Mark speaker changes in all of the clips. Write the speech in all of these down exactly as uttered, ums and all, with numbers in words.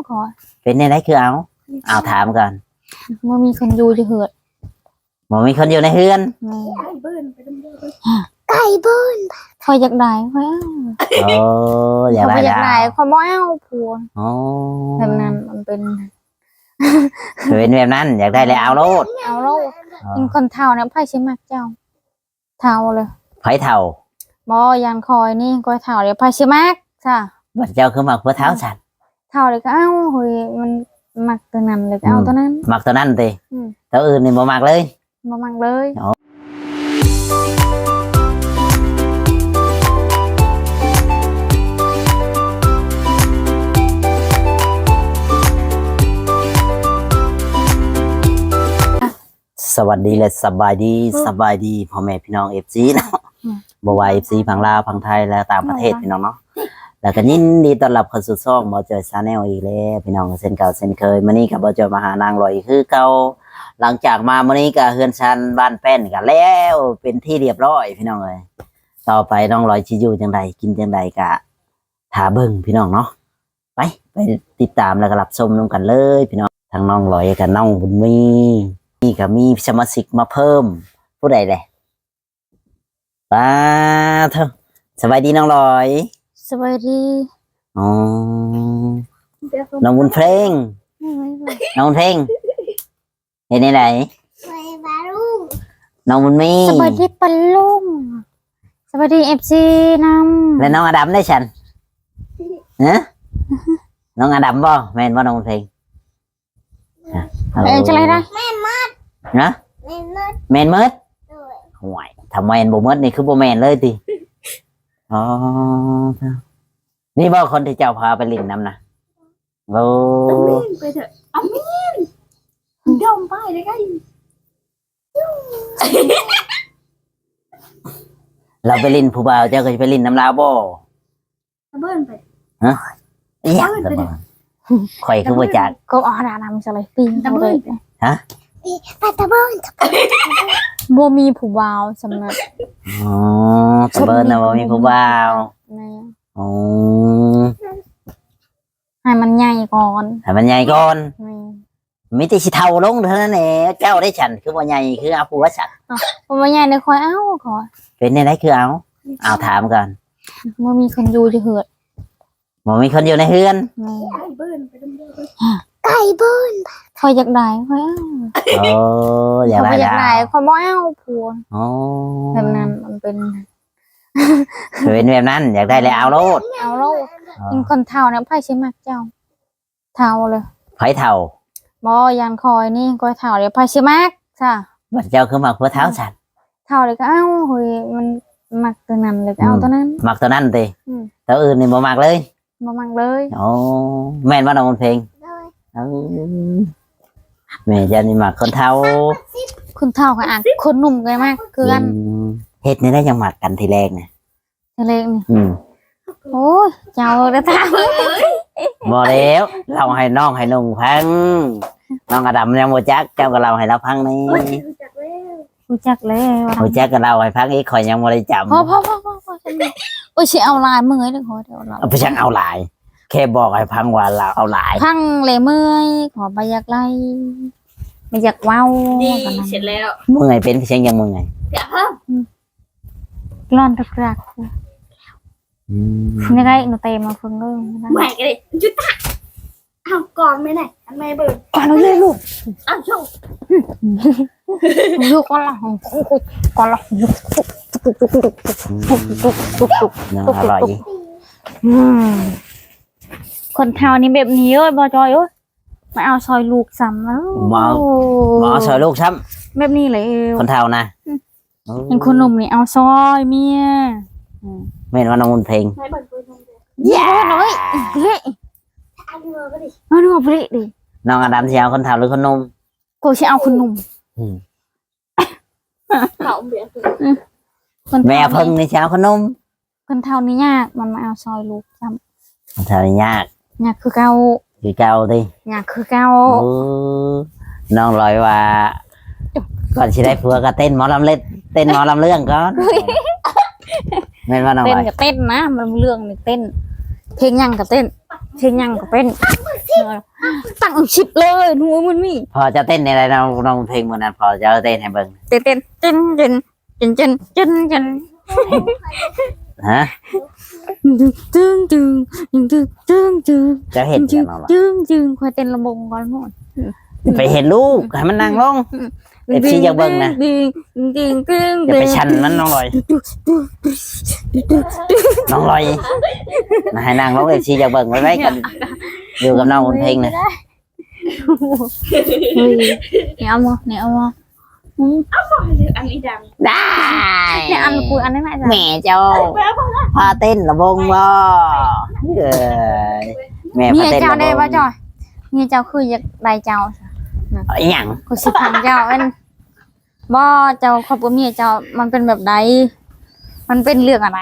Speaker 1: ขอ
Speaker 2: เป็นในไรคือเอาเอาถามก่อน
Speaker 1: มันมีคนอยู่จะเหือด
Speaker 2: มันมีคนอยู่ในเฮือน
Speaker 3: ไก่เบิ้ลไปดำเดิน
Speaker 1: ไก่เบิ้ลคอยอยากได้คอย
Speaker 2: โอ้อยากได้
Speaker 1: อยากได้คอยบ่เอาผัว
Speaker 2: โอ้
Speaker 1: แบบนั้นมันเป็น
Speaker 2: เป็นแบบนั้นอยากได้เลยเอาโลด
Speaker 1: เอาโลดเป็นคนเท่าเนี่ยไพ่ใช่ไหมเจ้าเท่าเลย
Speaker 2: ไผ่เท่า
Speaker 1: บ่ยันคอยนี่คอยเท่าเดี๋ยวไพ่ใช่ไหมจ้ะ
Speaker 2: บัดเจ้าคือมักเพื่อเท้าสัตว์
Speaker 1: เท่าเลยก็เอาเฮ้ยมันมักตัวนั้นเลยก็เอาตัวนั้น
Speaker 2: มักตัวนั้นตีตัวอื่นนี่บ่มักเลย
Speaker 1: บ่มักเลย
Speaker 2: สวัสดีและสบายดีสบายดีพ่อแม่พี่น้องเอฟซีเนาะบวายเอฟซีพังลาวพังไทยและต่างประเทศพี่น้องเนาะแล้วก็ยินดีต้อนรับเข้าสู่ช่องบอจอยชาแนลอีกแล้วพี่น้องเส้นเก่าเส้นเคยมื้อนี้กับบอจอยมาหานางลอยคือเก่าหลังจากมามื้อนี้ก็เฮือนชันบ้านแป้นกันแล้วเป็นที่เรียบร้อยพี่น้องเอ้ยต่อไปน้องลอยสิอยู่จังใดกินจังใดก็ถาเบิ่งพี่น้องเนาะไปไปติดตามแล้วก็รับชมนำกันเลยพี่น้องทั้งน้องลอยกับน้องบุญมีนี่ก็มีสมาชิกมาเพิ่มผู้ใดเลยป้าเถอะสบายดีน้องลอย
Speaker 1: สวัสดี
Speaker 2: อ๋อน้องบุญเพลงน้องบุญเพลงเห็นไหนน้องบุญมี
Speaker 1: สวัสดีปลุงสวัสดีเอฟซีนำ
Speaker 2: แล้วน้องอดัมได้ฉันเนะน้องอดัมบ่แม่นบ่น้องบุญเพลง
Speaker 1: เออจะอะไรได้
Speaker 2: แม่นมดนะแม่นมดห่วยทำแม่นบ่มดนี่คือบ่แม่นเลยติอ๋อนี่บ่คนที่เจ้าพาไปลินน้ำนะโอ้
Speaker 3: ไปเถอะเอาเมียนดมไปเลยไง
Speaker 2: เราไปลินผู้บ่าวเจ้าก็จะไปลินน้ำลาวบ่
Speaker 3: เบิ้ลไป
Speaker 2: ฮะอีหยังข่อยคือบ่จัก
Speaker 1: ก็อ๋อดานำจะเลยปีนตะเบิ้ล
Speaker 2: ฮะ
Speaker 1: ไปตะเบิ้ลบ่มีผู้บ่าวสำนัก
Speaker 2: อ๋อตะเบิ้ลน่ะบ่มีผู้บ่าวอ๋อ
Speaker 1: ให้มันใหญ่ก่อน
Speaker 2: ให้มันใหญ่ก่อนมีแต่สิเท่าลงเท่านั้นแหละเจ้าได้ฉันคือบ่ใหญ่คือเอาผัวฉัน
Speaker 1: บ่ใหญ่ได้คอยเอาขอ
Speaker 2: เป็นในไรคือเอาเอาถามก่อน
Speaker 1: บ่มีคนอยู่จะเหือด
Speaker 2: บ่มีคนอยู่ในเฮือน
Speaker 3: ไก่เบิ้ลไปดำเดิน
Speaker 1: ไก่เบิ้ลคอยอยากได้คอยเอา
Speaker 2: โอ้อยากได้
Speaker 1: อยากได้คอยบ่เอาผัว
Speaker 2: โอ้
Speaker 1: แบบนั้นมันเป็น
Speaker 2: เป็นแบบนั้นอยากได้เลยเอาโลด
Speaker 1: เอาโลดเป็นคนเท่าเนี่ยไพ่ใช่ไหมเจ้าเท่าเลย
Speaker 2: ไผ่เท่า
Speaker 1: บ่ยันคอยนี่คอยเท่าเดี๋ยวไพ่ใช่ไหมจ้ะ
Speaker 2: บัดเจ้าคือมักเพื่อเท้าฉัน
Speaker 1: เท่าเลยก็เอาเฮ้ยมันมักตัวนั้นเลยก็เอาตัวนั้น
Speaker 2: มักตัวนั้นตีตัวอื่นนี่บ่มักเลย
Speaker 1: บ่มักเลย
Speaker 2: โอ้แม่นว่าน้องเพลงแม่จะนี่มักคนเท่า
Speaker 1: คนเท่ากับอ่ะคนหนุ่มกันมากคือกัน
Speaker 2: เฮ็ดนี่ได้ยังมักกันทีแรกเนี่ย
Speaker 1: ทีแรกนี่โอ้ยเจ้าได้ท
Speaker 2: ำบ่แล้วเราให้น้องให้นุ่งพังน้องอดัมยังบ่จักเจ้าก็เราให้เราพังนี่
Speaker 1: รู้จักแล้ว
Speaker 2: รู้จักก็เราให้พังอีกข่อยยังบ่ได้จำ
Speaker 1: พอพอพอพอพอโอ้ยสิเอาลายเมื่อยเด้อขอเดี๋ยวเรา
Speaker 2: เอาไปจังเอาลายแค่บอกให้พังว่าเราเอาลาย
Speaker 1: พังเลยเมื่อยขอไปอยากไล่ไม่อยากเว้า
Speaker 3: ดีเสร็จแล้ว
Speaker 2: เมื่อยเป็นเสียงยังเมื่อย
Speaker 3: เดี๋ยวเพิ่ม
Speaker 1: ร้อนตะกรักยังไงหนูเตะมาฟังเรื่อง
Speaker 3: แหวกเลยจุดตาเอาก่อนไม่ไหนอันไม่เบิร์
Speaker 1: ก่อนเราเลยลูก
Speaker 3: อ้าวโชว์
Speaker 1: ลูกก่อนละก่อนละตุกตุกตุกตุกตุกตุกตุกตุก
Speaker 2: อร่อย
Speaker 1: คนเท่านี้แบบนี้เอ้ยบอจอยเอ้ยมาเอาซอยลูกซ้ำแล้ว
Speaker 2: มามาซอยลูกซ้
Speaker 1: ำแบบนี้เลย
Speaker 2: คนเท่านะ
Speaker 1: เห็นคนหนุ่มนี่เอาซอยเมีย
Speaker 2: ไม่เห็นว่าน้องมุนเพลง
Speaker 1: แย่น้อยเละเอาเนื้อไปดิเอาเนื้อไปดิ
Speaker 2: น้องอดัมจะเอาคนเท่าหรือคนนุ่ม
Speaker 1: กูจะเอาคนหนุ่ม
Speaker 2: แม่เพิ่งนี่จะเอาคนนุ่ม
Speaker 1: คนเท่านี้ยากมันมาเอาซอยลูกซ้
Speaker 2: ำคนเท่านี้ยาก
Speaker 1: ยากคือเก่า
Speaker 2: คือเก่าดิ
Speaker 1: ยากคือเก่า
Speaker 2: น้องลอยว่าก่อนที่ได้ผัวก็เต้นหมอลำเล่นเต้นหมอลำเรื่องก่อนเต้นว่าน้อง
Speaker 1: เต้นกับเต้นนะมันเรื่องนี่เต้นเพลงยังกับเต้นเพลงยังกับเป็นตั้งชิบเลยหนูมันมี
Speaker 2: พอจะเต้นในอะไรน้องน้องเพลงวันนั้นพอจะเต้นให้เบิ่ง
Speaker 1: เต้นเต้นเต้นเต้นเต้นเต้นเต้นเต้น
Speaker 2: ฮะ
Speaker 1: ตึ้งตึ้งตึ้งตึ้งตึ้งตึ้ง
Speaker 2: จะเห็นกันน้องล่ะ
Speaker 1: ตึ้งตึ้งคอยเต้นระบงก่อนหมด
Speaker 2: ไปเห็นลูกให้มันนั่งลง เอฟซีอยากเบิ่งนะ
Speaker 1: ตึ้งตึ้งตึ้ง
Speaker 2: อย่าไปชันมันน้องลอยน้องลอยมาให้นั่งลงเอฟซีอยากเบิ่งไว้ไว้กันอยู่กับน้องบนเพลงนะ
Speaker 1: เนี่ยเอามาเนี่ยเอามา
Speaker 3: อันนี้ดัง
Speaker 2: ได้
Speaker 1: เนี่ยอันคุยอันนี้ไหมจ๊ะ
Speaker 2: แม่เจ้าพาเต้นระบงบ่เอ้ยแม่
Speaker 1: เมี
Speaker 2: พาย เต้น
Speaker 1: เจ้า
Speaker 2: ระบ
Speaker 1: ได้
Speaker 2: ง
Speaker 1: ป่ะจอยเมียเจ้าคืออยากได้เจ้า
Speaker 2: อีหยัง
Speaker 1: กูสิพันเจ้าเอ็นบ่เจ้าครอบครัวเมียเจ้ามันเป็นแบบใดมันเป็นเรื่องอะไร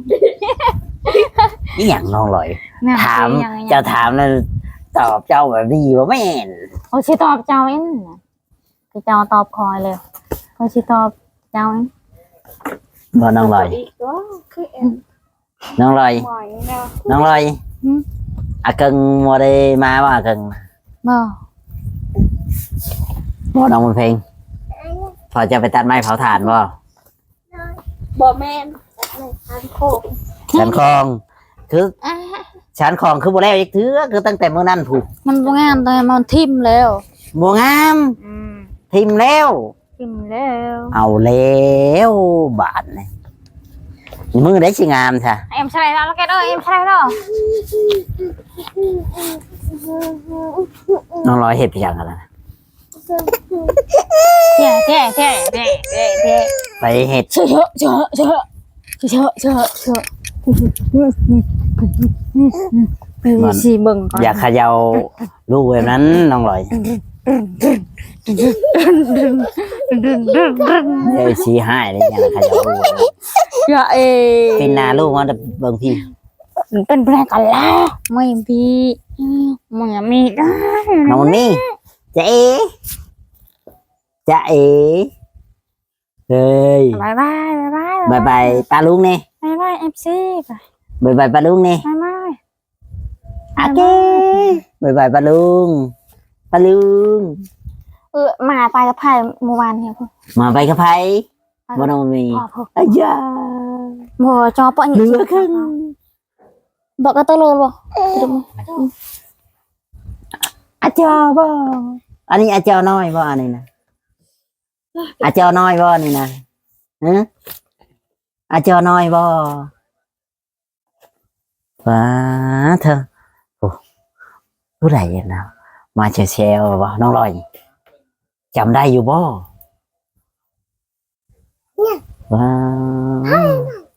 Speaker 2: อีหยังน้องลอย
Speaker 1: แม่
Speaker 2: ถาม
Speaker 1: สิยังไง
Speaker 2: เจ้าถามแล้วตอบเจ้าแบบนี้ว่าแม่น
Speaker 1: โอ้สิตอบเจ้าเอ็นคือเจ้าตอบคอยเลยเขาสิตอบเจ้าเอ็น
Speaker 2: บ่น้องลอย
Speaker 3: อีกก็คือเอ็น
Speaker 2: น้องลอย
Speaker 3: หมอยนะ
Speaker 2: น้องลอยอาเกิงบ่ได้มาบ่อาเกิง
Speaker 1: บ่
Speaker 2: บ่น้องบนเพลงพอจะไปตัดไม้เผาถ่านบ่
Speaker 3: บอแมนในทานโคก
Speaker 2: ชั้นคลอง คือชั้นคลองคือบ่แล้วอีกเถือคือตั้งแต่มื้อนั้นผูก
Speaker 1: มันบ่งามแต่มันทิ่มแล้ว
Speaker 2: บ่งาม
Speaker 1: อืม
Speaker 2: ทิมแล้ว
Speaker 1: ทิ่มแล้ว
Speaker 2: เอาแล้วบาดนี่มือได้สิงามซะ
Speaker 1: เอ็มใช่แล้วแล้วแกเด้อเอ็มใช่แล้ว
Speaker 2: น้องลอยเฮ็ดไปจังกันล่ะ
Speaker 1: แท่แท่แท่แท่แท่แท่
Speaker 2: ไปเฮ็ด
Speaker 1: เชอะเชอะเชอะเชอะเชอะเชอะไปสิเบิ่งก่อน
Speaker 2: อย่าเขย่าลูกแบบนั้นน้องลอยเอ้ยสิหายเลยอย่าเขย่าลูกแบบนั้น
Speaker 1: อย่าเอ
Speaker 2: เป็นหน้าลูกมันเบิ่งพี่
Speaker 1: เป็นแปลกันแล้วไม่พี่มึงอย่ามีได้
Speaker 2: น้องนี่จะเอจะเอเฮ้ย
Speaker 1: บายบายบายบาย
Speaker 2: บายบายป้าลุงนี่
Speaker 1: บายบายเอฟซี
Speaker 2: บายบายป้าลุงนี่
Speaker 1: บายบาย
Speaker 2: โอเคบายบายป้าลุงป้าลุง
Speaker 1: เออมาไปกับไผ่เมื่อวานเนี่ยพ่อ
Speaker 2: มาไปกับไผบ่น้องมี
Speaker 1: พ่อพ่อ
Speaker 2: อ้ยา
Speaker 1: บ่จอปะ
Speaker 2: เหลือครึ่ง
Speaker 1: บอกก็ตะเลยบ่
Speaker 2: อาจารย์บ่อันนี้อาจารย์น้อยบ่อันนี้นะอาจารย์น้อยบ่นี่นะฮะอาจารย์น้อยบ่ว้าเธอโอ้ผู้ใดนะมาเชลเชลบ่น้องลอยจำได้อยู่บ่ว้าว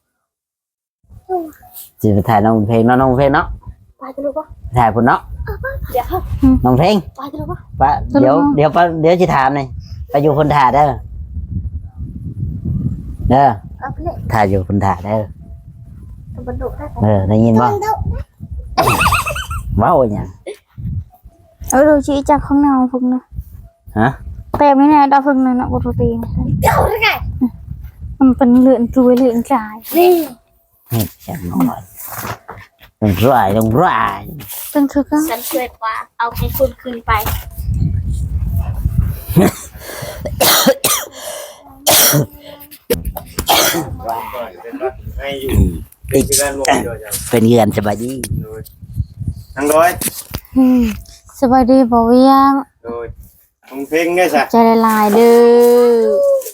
Speaker 2: จะไปถ่ายน้องเพลงเนาะน้องเพลงเนาะ
Speaker 3: ไปจะรู้ปะ
Speaker 2: ถ่ายพุ่นเนาะ
Speaker 3: เดี๋ยว
Speaker 2: น้องเพลง
Speaker 3: ไปจะรู้ปะ
Speaker 2: ปะเดี๋ยวเดี๋ยวปะเดี๋ยวจะถามหน่อยไปอยู่คนถ่ายเด้อเด้อ
Speaker 3: เอาไปเลย
Speaker 2: ถ่ายอยู่คนถ่ายเด้อ
Speaker 3: ตะบันดุได้
Speaker 2: เออได้ยินบ่ว้าวอย่าง
Speaker 1: เออดูชี้จากข้างนอกพึ่งนะ
Speaker 2: ฮะ
Speaker 1: เต็มนี่แน่ดาวพึ่งนะนะปกติ
Speaker 3: เจ้าได้ไง
Speaker 1: มันเป็นเลื่อนรวยเลื่อนจ่าย
Speaker 3: นี่
Speaker 2: นี่อย่างน้อยต้องร้ายต้องร้าย
Speaker 1: เป็นคือก็
Speaker 3: ฉันช่วยกว่า เอาให้คุณคืนไป
Speaker 4: ให้อยู่เป็นที่ด้านลงเดียวจ้ะ
Speaker 2: เป็นเงินสบายดี
Speaker 4: โดยทั้งร้อย
Speaker 1: สบายดีบ่เวียง
Speaker 4: โดยมึงเพลงได้จ้ะ
Speaker 1: ใจละลายเด้อ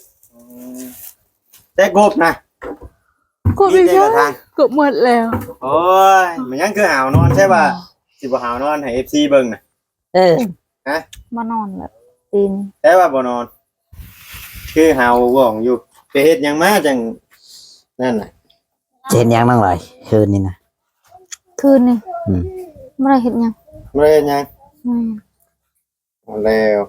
Speaker 4: แต่กบนะ
Speaker 1: กู
Speaker 4: มี
Speaker 1: ไม่
Speaker 4: ใจ
Speaker 1: ใช่
Speaker 4: กับทาง
Speaker 1: กูหมดแล้ว
Speaker 4: โอ้ยมันยังคือหาวนอนใช่ป่ะสิบ่หาวนอนให้ เอฟ ซี เบิ่งน่ะ
Speaker 2: เออ
Speaker 1: มานอนแบบตีน
Speaker 4: แต่ว่าบ่นอน คือหาวว่องอยู่ไปเฮ็ดหยังมาจังนั่นน่ะ
Speaker 2: เจนยังนั่งเลยคืนนี้นะ
Speaker 1: คืนนี่
Speaker 2: อืม
Speaker 1: ไม่ได้เห็นยัง
Speaker 4: บ่ได้เฮ็ดหยัง
Speaker 1: อืม
Speaker 4: เอาแล้ว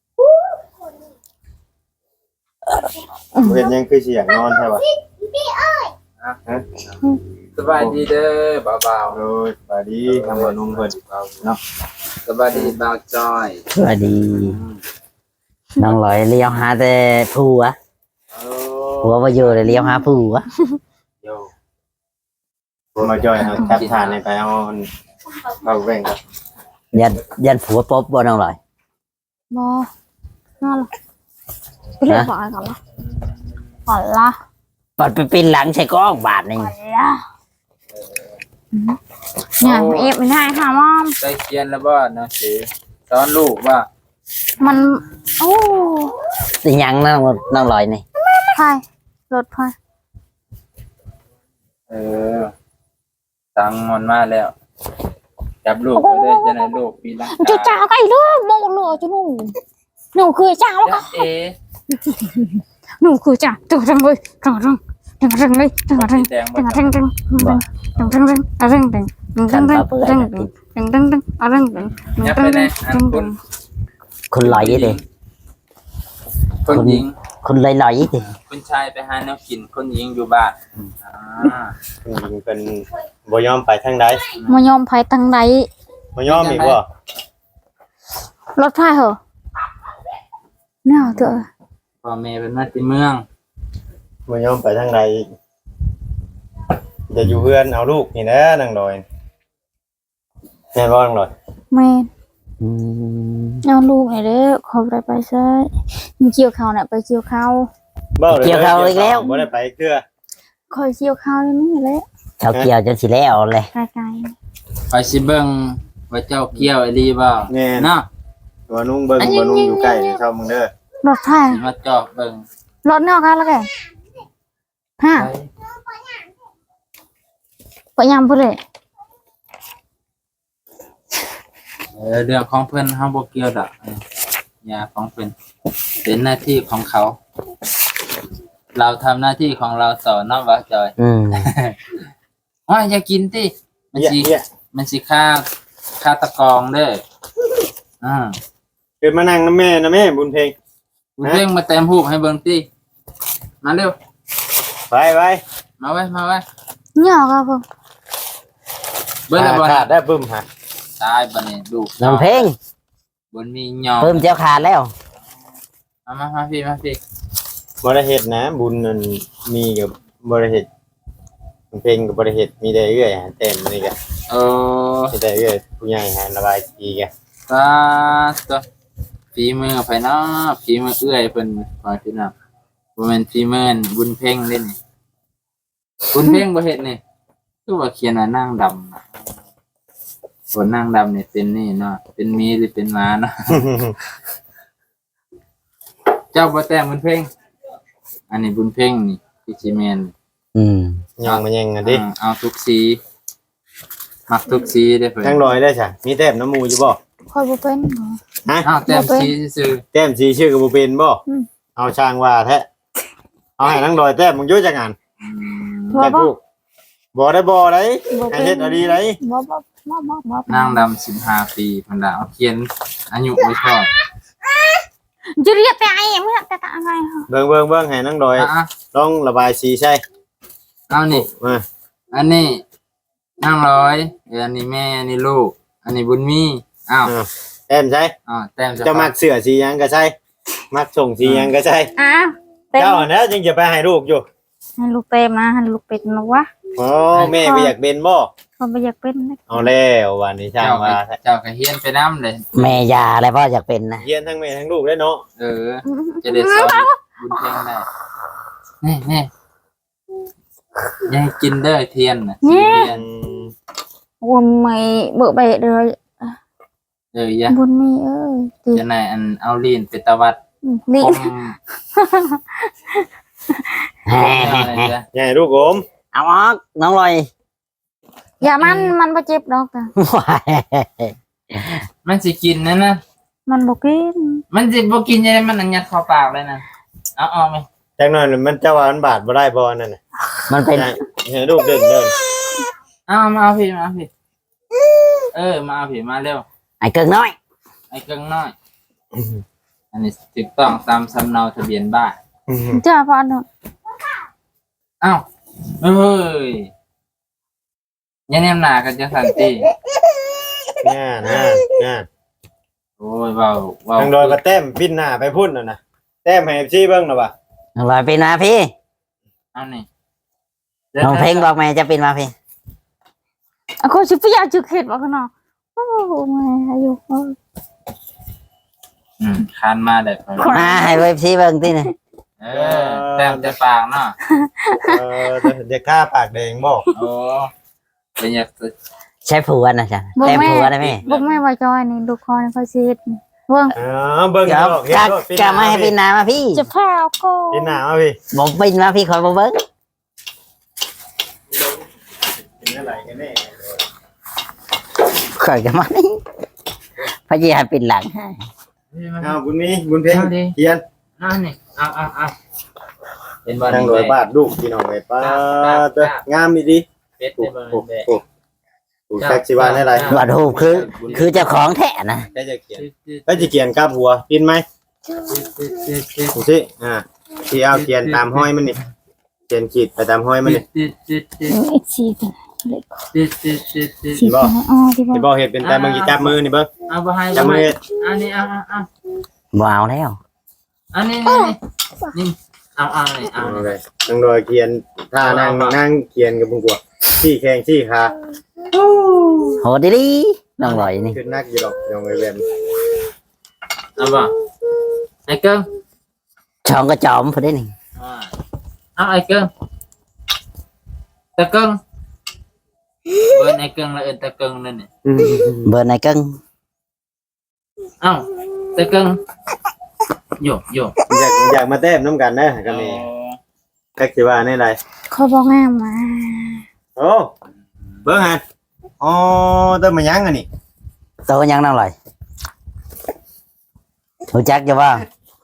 Speaker 4: บ่เฮ็ดหยังคือสิอยากนอนใช่ป่ะฮะ
Speaker 5: สบายดีเด้อบ่าว
Speaker 4: โดยสวัสดีทางบ่นุ่มเพิ่นเนาะ
Speaker 5: ๆสบายดีบ่าวจอย
Speaker 2: สวัสดีน้องลอยเลี้ยวหาแต่ผัว
Speaker 4: โอ้
Speaker 2: ผัวมาอยู่เลยเลี้ยวหาผัว
Speaker 4: โยมาจอยเอาแทบทานในไปเอาเอาแบ่งครับ
Speaker 2: ยันยันผัวปบบ่น้องลอย
Speaker 1: บ่น่าละไปเรียกก่อนก่อนละก่อนละ
Speaker 2: ปัดไปปีนหลังใส่กล้องบาทหนึง
Speaker 1: ก่อนละเนี่ยเอฟไม่ได้ค่ะมอม
Speaker 5: ได้เขียนแล้วบ่หนังสือสอนลูกว่า
Speaker 1: มันโอ้
Speaker 2: สิหยังน้องน้องลอยนี่
Speaker 1: พายรถพาย
Speaker 5: เออตังค์มันมาแล้ว จับลูกไปเลยจะไหนลูกปีละ
Speaker 1: จะจ้าไก่ด้วยโมโลจะหนูหนูคือจ้า
Speaker 5: จ๊ะเอ
Speaker 1: หนูคือจ้าตึงตึงเลยตึงตึงตึงตึงเลยตึงตึง
Speaker 5: แดง
Speaker 1: ตึ
Speaker 5: บ่
Speaker 1: งตึงตึงตึงตึงตึงตึงตึงตึงตึงตึงตึงตึงตึงตึงตึงตึงตึง
Speaker 5: ยับไปไหนอันคุณ
Speaker 2: คุณลอยยี่ดิ
Speaker 5: คนหญิง
Speaker 2: คุณลอยลอยยี่ดิ
Speaker 5: คุณชายไปหาแนวกินคนหญิงอยู่บ้านอ่า
Speaker 4: ผู้หญิงเป็นบ่ยอมไปทางใด
Speaker 1: มายอมไผ่ตังใด
Speaker 4: บ่ยอมอีกบ่
Speaker 1: รถไฟเหรอเนี่ยเถอะ
Speaker 5: พ่อแม่เป็นมาที่เมือง
Speaker 4: บ่ยอมไปทางใดอีกจะอยู่เพื่อนเอาลูกนี่นะนางดอยแม่นบ่นางดอย
Speaker 1: แม่
Speaker 2: อืม
Speaker 1: เอาลูกหน่อยเด้อขอไปไปใช่มีเกี่ยวข้าวน่ะไปเกี่ยวข้าว
Speaker 4: เบ้าเลยบ่ได้ไปเกลือ
Speaker 1: คอยเกี่ยวข้าวนี่แหละ
Speaker 2: เขาเกี่ยวจนสิแล้วเลย
Speaker 1: ไกล
Speaker 5: ไปสิเบิ่งว่าเจ้าเกี่ยวไอ้ลีบ่
Speaker 4: แม่น
Speaker 5: เนาะ
Speaker 4: บ่นุ่งเบิ่งบ่นุ่งอยู่ใกล้นี่ชอบมึงเด้อ
Speaker 1: ๆรถไฟ
Speaker 5: สิมาจอกเบิ่ง
Speaker 1: รถนอกกันแล้วแกฮะ
Speaker 5: ไป
Speaker 1: ไปยำพูดเลย
Speaker 5: เออเรื่องของเพิ่นเฮาบ่เกี่ยวดอกยาของเพิ่นเป็นหน้าที่ของเขา เราทำหน้าที่ของเราต่อเนาะว่าจอย
Speaker 2: อืม
Speaker 5: ว่าอย่ากินติมัน
Speaker 4: เหี้ย
Speaker 5: สิ
Speaker 4: เหี้ย
Speaker 5: มันสิฆ่าฆ่าตะกองเด้ออ่า
Speaker 4: เกิดมานั่งนำแม่นะแม่บุญเพลง
Speaker 5: คุณเร่งมาเต็มหูปให้เบิ่งติมาเร็ว
Speaker 4: ไปไป
Speaker 5: มาไว้มาไว้
Speaker 1: เนี่ยครับผม
Speaker 5: เบิ่งแล้วบ่
Speaker 4: ขาดได้ปึ้มฮะ
Speaker 5: ตายบัดนี้ลูก
Speaker 2: น้องเพลง
Speaker 5: บนมีหยอง
Speaker 2: เพิ่มเจ้าขาดแล้ว
Speaker 5: มามามาพี่มาพี่
Speaker 4: บ่ได้เฮ็ดนะบุญนั่นมีกับบ่ได้เฮ็ดเพลงกับบริเหตุมีได้เรื่อยหาเต็มนี่กัน
Speaker 5: เออ
Speaker 4: มีได้เรื่อยผู้ใหญ่หาระบายสีกัน
Speaker 5: ตาตัวฝีมือไผเนาะฝีมือเอื้อยเพิ่นขอพี่น้องบ่แม่นฝีมือบุญเพ่งเด้นี่บุญเพ่งบ่เฮ็ดนี่คือว่าเขียนว่านางดำน่ะส่วนนางดำนี่เป็นนี่เนาะเป็นมีหรือเป็นม้าเนาะ เจ้าบ่แต่งบุญเพ่งอันนี้บุญเพ่งนี่พี่สิแม่น
Speaker 2: อืม
Speaker 4: ยังมันยังกันดิ
Speaker 5: อ่าเอาทุกสีมักทุกสีได้เพิ่น
Speaker 4: ทั้งลอยได้ใช่มีแต้มน้ำมูอยู่บ่
Speaker 1: คอยบุเป็นเหรอ
Speaker 4: ฮะ
Speaker 5: อ้าวแต้มสีซื่อ
Speaker 4: แต้มสีชื่อกับบุเป็นบ่
Speaker 1: อืม
Speaker 4: เอาช่างว่าแท้เอาให้ทั้งลอยแต้มมึงอยุ่จักงาน
Speaker 5: ๆอืม
Speaker 1: บ่
Speaker 4: แต้ม
Speaker 1: บ่
Speaker 4: ผู้บ่ได้บ่ได้
Speaker 1: บ่
Speaker 4: ให้
Speaker 1: เป็น
Speaker 4: เฮ็ดเอาดีได้
Speaker 1: บ่บ่บ่บ่บ่
Speaker 5: นางดำสิบห้าปีเพิ่นน่ะเอาเขียนอายุไว้ชอบ
Speaker 1: จะเรียกแต่ไอ้ยังไม่แต่แต่อะไรเหรอ
Speaker 4: เบิ่งเบิ่งเบิ่งให้ทั้งลอย
Speaker 5: อ่ะ
Speaker 4: ต้องระบายสีใช่
Speaker 5: ๆเอานี่
Speaker 4: มา
Speaker 5: อันนี้นางร้อยเอออันนี้แม่อันนี้ลูก อันนี้บุญมีอ้าว
Speaker 4: อ่าแต้มใช่
Speaker 5: อ้าวแต้ม
Speaker 4: เจะมักเสื้อสีหยังก็ใช่มักส่งสีหยังก็ใช่
Speaker 1: อ้าวเต็ม
Speaker 4: เจ้าอันนั้นจึงจะไปให้ลูกอยู่
Speaker 1: ให้ลูกเต็มนะให้ลูกเป็ดนะวะ
Speaker 4: อ๋อแม่ไปอยากเป็นบ่
Speaker 1: เขาไม่อยากเป็นนะ
Speaker 4: เอาแล้ววันนี้ช่าง
Speaker 5: เจ้าก็
Speaker 4: ว่าแท้
Speaker 5: เจ้าก็เฮียนไปน้ำเลย
Speaker 2: แม่ยาอะไรพ่ออยากเป็นนะ
Speaker 4: เฮียนทั้งแม่ทั้งลูกได้เนาะ
Speaker 5: เออ จะได้สอนบุญเพ่งได้นี่นี่อยังกินเด้อเทียนน่ะสีเทียน
Speaker 1: วันไม่เบื่อเบะเลย
Speaker 5: เอออย่า
Speaker 1: บุญมีเอ้ยดี
Speaker 5: จะไหนอันเอาลีนไปตะวัด
Speaker 1: นี่
Speaker 5: คม
Speaker 2: แฮ่
Speaker 5: เอาอะไรจ้ะ
Speaker 4: ใหญ่ลูกผม
Speaker 2: เอาออกน้องลอย
Speaker 1: อย่ามันมันบ่เจ็บดอกแต่
Speaker 5: มันสิกินนั่นนะ
Speaker 1: มันบ่กิน
Speaker 5: มันสิบ่กินยังไงมันอันยัดเข้าปากเลยนะเอาออกไหม
Speaker 4: จังหน่อยมันจะว่ามันบาดบ่ได้บ่นั่นน่ะ
Speaker 2: มันเป็น
Speaker 4: ให้ลูกเดินเดิน
Speaker 5: เอามาเอาพี่มาเอาพี่เออมาเอาพี่มาเร็ว
Speaker 2: ไอ้เกิงน้อย
Speaker 5: ไอ้เกิงน้อย อันนี้ถูกต้องตามสำเนาทะเบียนบ้าน
Speaker 1: จ้าพ่อหนู
Speaker 5: อ้าวเฮ้ยยังแนมหนากันจะสันติ
Speaker 4: น่าน่าน่า
Speaker 5: โอ้ยเบาเบา
Speaker 4: ทางโดยมาแต้มปิ้นหน้าไปพุ่นน่ะนะแต้มให้ซี่เบิ่งน่ะบ่ะ
Speaker 2: น้องลอยเป็นมาพี่
Speaker 5: เอานี่
Speaker 2: น้องเพลงบอกแม่จะเป็นมาพี่
Speaker 1: อ่ะเขาสิพยาจุกเฮ็ดบ่กันเนาะโอ้มาอยู่
Speaker 5: อืมคานมาได้พอ
Speaker 2: มาให้เว็บซีเบิ่งติน่ะ
Speaker 5: เออแต้มจะปากเนาะ
Speaker 4: เออเด็กข้าปากแดงบ่
Speaker 5: โอ้เป็นอยากจะ
Speaker 2: ใช้ผัวน่ะจ้ะแต้มผัวได้ไหม
Speaker 1: บ่แม่ว่าจอยนี่ดูคอนเขาสิเฮ็ดเบิ่ง
Speaker 4: เออเบิ่ง
Speaker 2: เดี๋ยว
Speaker 4: ดอกเฮ็ด
Speaker 2: กะ
Speaker 4: โลดปี
Speaker 2: กะมาให้พี่นามาพี่
Speaker 1: จะพาเอาก็
Speaker 4: ปีหน้ามาพี่
Speaker 2: บ่บินมาพี่คอยบ่เบิ่ง
Speaker 4: เป็นอะไรกันแน่
Speaker 2: ข่อยก็มานี่พยายามปิดหลังให้
Speaker 4: อ้าวบุญมีบุญเพ็งเฮียน
Speaker 5: เอานี่เอาเอาเอาเป็นบอล
Speaker 4: นั่ง
Speaker 5: นี่
Speaker 4: รอย
Speaker 5: ไป
Speaker 4: บาทลูกพี่น้องไอ้ป้าเด้องามดีดี
Speaker 5: เป็ด
Speaker 4: โอ้
Speaker 5: เป็นบอล
Speaker 4: โห
Speaker 5: นี่ไป
Speaker 4: โอ้โหแท็กซี่ว่าได้ไร
Speaker 2: ว่ารูปคือ คือเจ้าของแท้นะ
Speaker 4: แค่จะเขียนก็จะเขียนกับหัวปินไหมดูสิอ่าที่เอาเขียนตามห้อยมันนี่เขียนขีดไปตามห้อยมันนี่
Speaker 1: ไอ้ชีกันเล็กชี
Speaker 4: บ่
Speaker 1: กันอ๋อที่บ่
Speaker 4: ที่บอกเห็ดเป็นแต่มึงจะจับมือนี่เบิ้ง
Speaker 5: เอาไปให้
Speaker 4: จับมือเฮ็ด
Speaker 5: อันนี้เอาเอาเอา
Speaker 2: บ่เอาแล้ว
Speaker 5: อันนี้นี่นี่เอาเอานี่เอา
Speaker 4: เอาเลยนั่งรอยเขียนท่านั่งนั่งเขียนกับบุงกัวที่แข้งที่ขา
Speaker 2: โหดีดีน้องลอยนี่
Speaker 4: ขึ้นนักอยู่ดอกยองไอ้เวน
Speaker 5: เอาบ่ไอ้เกิ้ง
Speaker 2: ช่องก็จอมพอได้นี่
Speaker 5: เอาไอ้เกิ้งตะเกิ้งเบิร์นไอ้เกิ้งแล้วเอ็นตะเกิ้งนั่นนี่
Speaker 2: เบอร์ไหนกัง
Speaker 5: เอ้าตะเกิ้งโยกโยก
Speaker 4: อยากอยากมาแต้มน้ำกันนะกันนี่แท็กซี่ว่าในไร
Speaker 1: เขาบ่งามมา
Speaker 4: โอ้เบิ้งฮะอ๋อเติมมายังอันนี้
Speaker 2: โตยังน้องลอยรู้จักจะว่า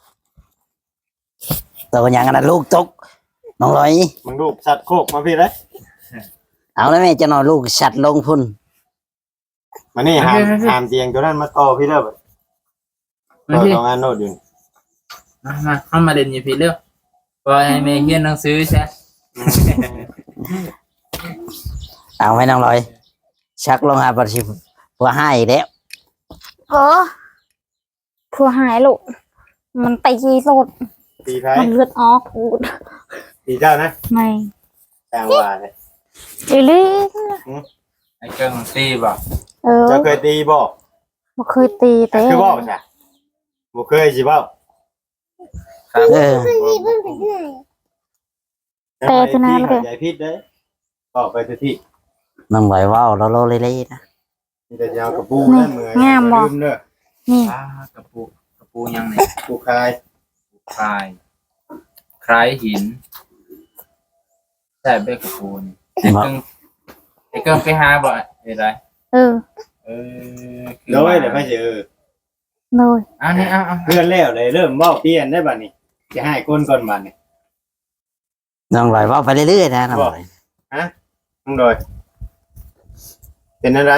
Speaker 2: โตยังอันนั้นลูกตกน้องลอย
Speaker 4: มึงลูกสัตว์โคกมาพี่เลย
Speaker 2: เอาแล้วแม่จะนอนลูกชัดลงพุ่น
Speaker 4: มานี่หามหามเตียงตัวนั้นมาต่อพี่เด้อ
Speaker 5: มา
Speaker 4: ต่อ
Speaker 5: พี่
Speaker 4: สองอันโนดอยู่
Speaker 5: มามาเข้ามาเด่นอยู่พี่เร็วพอไอ้เมย์เขียนหนังสือใช่
Speaker 2: เอาให้น้องลอย ชักลงหาประชิบเพื่อให้อีกแล้ว
Speaker 1: เออผัวหายลูกมันตีโลด
Speaker 4: ตีไพ่
Speaker 1: มันเลือดออกอูด
Speaker 4: ตีเจ้านะ
Speaker 1: ไม่
Speaker 4: ต่างว่าเลย
Speaker 1: อีหลี
Speaker 5: ไอ้เกิ้งตีบ่
Speaker 1: เออ
Speaker 4: เจ้าเคยตีบ่
Speaker 1: บ่เคยตีแต่
Speaker 4: คือบ่ใช่บ่เคยสิบ่
Speaker 5: ครับ
Speaker 2: เออ
Speaker 1: แต่ตัวนั้นเลย
Speaker 4: ใหญ่พิษเด้บอกไปทุกที่
Speaker 2: น้องลอยว่าวเราโลเล่ๆนะ
Speaker 4: มีแต่ยาวกับปูนั่นเมื่อยลืมเด้อ
Speaker 1: นี่
Speaker 5: อ่ากระปูกระปูยังไง
Speaker 4: ปูคาย
Speaker 5: คลายคล้ายหินใช่เบกระปูนี่ไอ้เกิ้งไอ้เกิ้งไปหาบ่ไอ้ไร
Speaker 1: เออ
Speaker 5: เออ
Speaker 4: โดยเดี๋ยวไม่เจอ
Speaker 1: โดย
Speaker 5: อันนี้เอาเอา
Speaker 4: เพื่อนแล้วเลยเริ่มเว้าเปลี่ยนได้บัดนี้จะให้คนก่อนบัดนี้
Speaker 2: น้องลอยว่าวไปเรื่อยๆนะน้องลอย
Speaker 4: มึงโดยเป็นอะไร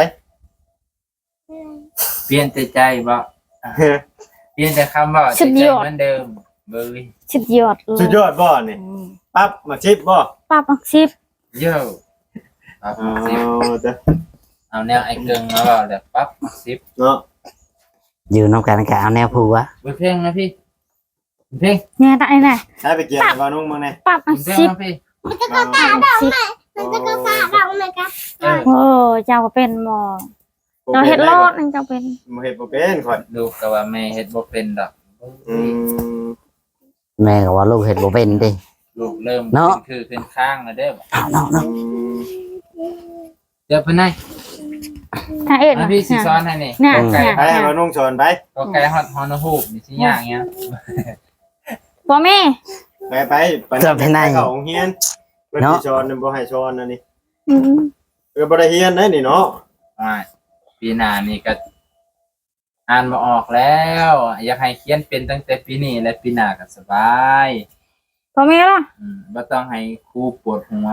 Speaker 5: เปลี่ยนแต่ใจบ่เปลี่ยนแต่คำบ่ใจเหมือนเดิมเบย
Speaker 1: สุดยอดเลย
Speaker 4: สุดยอดบ่นี่ปั๊บมาชิปบ่
Speaker 1: ป้าบักซิบ
Speaker 5: เย้ปั๊บ
Speaker 4: อ๋อ
Speaker 5: สิบ
Speaker 4: เด้อ
Speaker 5: เอาแนวไอ้เกิ้งมาบ่แบบปั๊บสิบ
Speaker 4: เนาะ
Speaker 2: อยู่น้องกันก็เอาแนวผัว
Speaker 5: เบยเพ่งนะพี่เพ่ง
Speaker 1: เนี่ยได้น่ะ
Speaker 4: ได้ไปเกี่ยวกับนุ่งมึงแน่
Speaker 1: ป้าบัก
Speaker 5: เพ่ง
Speaker 1: ซิบ
Speaker 5: นะพี่
Speaker 1: ป้าบักซิบ
Speaker 3: มันจะกระซ่าเราเลยกัน
Speaker 5: เออ
Speaker 1: โอ้เจ้าก็เป็นหมอเจ้าเฮ็ดรอดนั่นเจ้าเป็น
Speaker 4: บ่เฮ็ดบ่เป็นข่อย
Speaker 5: ลูกก็ว่าแม่เฮ็ดบ่เป็นดอก
Speaker 4: อืม
Speaker 2: แม่ก็ว่าลูกเห็ดบ่เป็นดิ
Speaker 5: ลูกเริ่ม
Speaker 2: เนาะ
Speaker 5: ขึ้นคือขึ้นข้างแล้วเด้อ
Speaker 2: เอาเนาะเนาะ
Speaker 5: เดี๋ยวเพิ่นให้
Speaker 1: ถ้าเอ็ด
Speaker 5: มาพี่สิสอนให้นี่
Speaker 1: เนี่ย
Speaker 5: ก็ไก่
Speaker 1: เนี่ย
Speaker 4: ไปให้มานุ่งชนไป
Speaker 5: ก็ไก่ฮอดฮอนฮูบนี่สิยากเงี้ย
Speaker 1: พ่อแม่
Speaker 4: ไปไปไปเข้าโรงเรียนเพิ่นสิสอนบ่ให้สอนอันนี้
Speaker 1: อืม
Speaker 4: เออบ่ได้เรียนได้นี่เนาะ
Speaker 5: อ่าปีหน้านี่ก็อ่านบ่ออกแล้ว อยากให้เขียนเป็นตั้งแต่ปีนี้และปีหน้าก็สบาย
Speaker 1: พ่อแม่ล่ะ
Speaker 5: อืมบ่ต้องให้ครูปวดหัว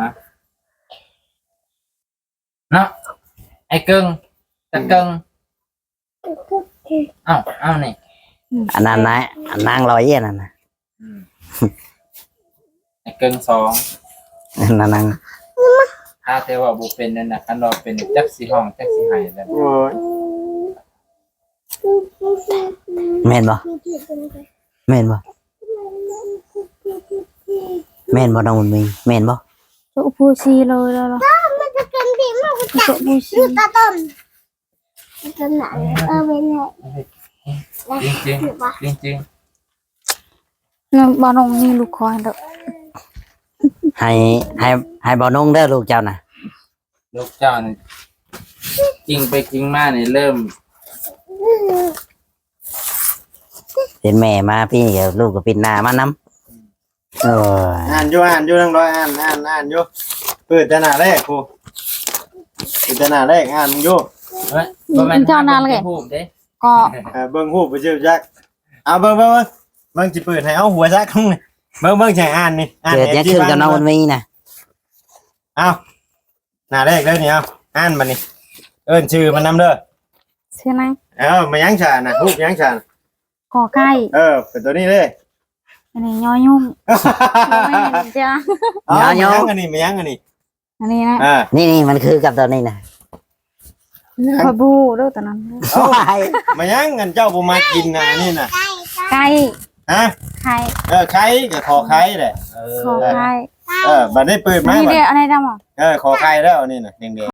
Speaker 5: เนาะไอ้เกิงตะเกิงเอ้าเอ้านี่
Speaker 2: อันนั้นนะอันนางลอยอันนั้นนะ
Speaker 5: อืมไอ้เกิงสอง
Speaker 2: อันนั้นนาง
Speaker 5: ถ้าแต่ว่าบ่เป็นนั่นน่ะคันว่าเป็นจักสิห้องจักสิให้แล้ว
Speaker 4: โอ้ย
Speaker 2: แม่นบ่แม่นบ่แม่นบ่น้องบุญมีแม่นบ่
Speaker 1: โจะพูซีเลยแล้วล่ะ
Speaker 3: มันจะเป็นดีมาก
Speaker 1: โจะพูซี
Speaker 3: ตาต้นตัวไหนเออเป็นไง
Speaker 5: จริงจริง
Speaker 3: หรือว่า
Speaker 5: จริงจริง
Speaker 1: เนี่ยบ่น้องมีลูกคอยเด้อ
Speaker 2: ให้ให้ให้บ่นุ่งเด้อลูกเจ้าน่ะ
Speaker 5: ๆลูกเจ้านี่จริงไปจริงมาเนี่ยเริ่ม
Speaker 2: เป็นแม่มาพี่เดี๋ยวลูกก็ปิดหน้ามานํเออ
Speaker 4: อ่านอยู่อ่านอยู่นั่งรอยอ่านอ่านอ่านอยู่เปิดแต่หน้าแรกครูเปิดแต่หน้าแรกอ่านมึงอยู่
Speaker 5: เฮ้ยบ่แม่นทำเป็นรูปเด้
Speaker 1: ก็
Speaker 4: เออเบิ่งหูปไปเชื่อจักเอาเบิ่งเบิ่งเบิ่งเบิ่งสิเปิดให้เอาหัวจักนี่เบิ่งเบิ่งสิอ่านนี่อ่าน
Speaker 2: เกิดยังขึ้นกับน้องมันมีน่ะ
Speaker 4: เอาหน้าแรกเลยนี่เอาอ่านมานี่เอิ้นชื่อมันนำเด้อ
Speaker 1: ชื่อนัง
Speaker 4: เอ้ามายังชาน่ะรูปยังชา
Speaker 1: กอไก่
Speaker 4: เออเป็นตัวนี้เลย
Speaker 1: อันนี้ยอยุ่งไม่เห็นจ้ะ
Speaker 4: เอามายังอันนี้มายังอันนี้
Speaker 1: อันนี้นะ
Speaker 4: อ่า
Speaker 2: นี่นี่มันคือกับตัวนี้น่ะ
Speaker 1: พะบูเด้อตอนนั้น
Speaker 4: เอามายังเงินเจ้าบ่มากินนะอันนี่น่ะ
Speaker 1: ไก่
Speaker 4: ฮะ
Speaker 1: ไข่
Speaker 4: เออไข่ก็ขอไข่แหละเออ
Speaker 1: ขอไข่
Speaker 4: เออบัดได้เปิดมา
Speaker 1: นี่
Speaker 4: บัด
Speaker 1: เดียวอะไรดำอ่ะ
Speaker 4: เออขอไข่แล้วอันนี่น่ะแดงๆ